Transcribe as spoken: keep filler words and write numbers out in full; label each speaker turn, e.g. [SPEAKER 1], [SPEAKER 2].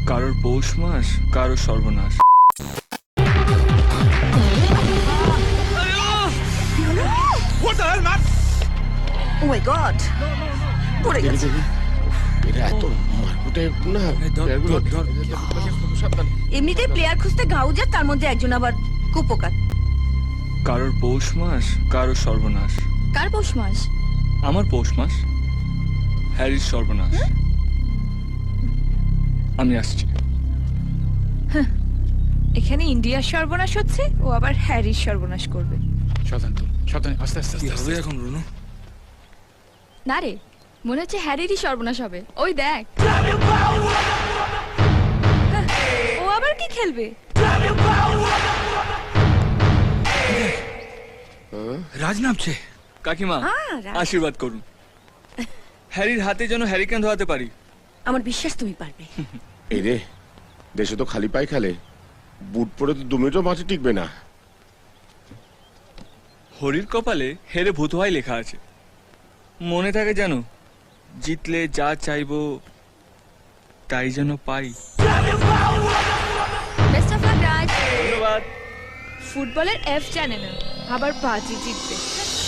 [SPEAKER 1] কারোর পৌষ মাস, কারোর সর্বনাশ।
[SPEAKER 2] What the hell, man?
[SPEAKER 3] Oh my God! পড়ে গেছে।
[SPEAKER 4] এটা এত মারকুটে না। সাবধান।
[SPEAKER 3] এমনিতেই প্লেয়ার খুঁজতে গাউজার, তার মধ্যে একজন আবার কুপোকাত।
[SPEAKER 1] কারোর পৌষ মাস, কারোর সর্বনাশ।
[SPEAKER 5] কার পৌষ মাস?
[SPEAKER 1] আমার পৌষ মাস, হ্যারির সর্বনাশ। আমি আসছি।
[SPEAKER 5] এখানে ইন্ডিয়ার সর্বনাশ হচ্ছে, ও আবার হ্যারির সর্বনাশ করবে।
[SPEAKER 2] সাবধান তো, সাবধান, আস্তে আস্তে
[SPEAKER 1] কি
[SPEAKER 2] আস্তে
[SPEAKER 1] হবে
[SPEAKER 2] আস্তে।
[SPEAKER 1] এখন রুনু?
[SPEAKER 5] না রে, মনে হচ্ছে হ্যারিরই সর্বনাশ হবে। ওই দেখ, হ্যাঁ, ও আবার কি খেলবে?
[SPEAKER 2] রাজ নামছে।
[SPEAKER 1] কাকিমা,
[SPEAKER 3] আহ, রাজ।
[SPEAKER 1] আশীর্বাদ করুন। হ্যারির হাতে যেন হ্যারিকেন ধোয়াতে পারি।
[SPEAKER 3] আমার বিশ্বাস তুমি পারবে।
[SPEAKER 4] এই রে, দেশে তো খালি পায়ে খেলে, বুট পরে তো দু মিনিটও মাঠে টিকবে না।
[SPEAKER 1] হরির কপালে হেরে ভূত হয় লেখা আছে। মনে থাকে জানো, জিতলে যা চাইবো তাই যেন পাই।
[SPEAKER 5] Best of luck Raj.
[SPEAKER 1] ধন্যবাদ।
[SPEAKER 5] ফুটবলের এফ জানে না, আবার বাজি জিতবে।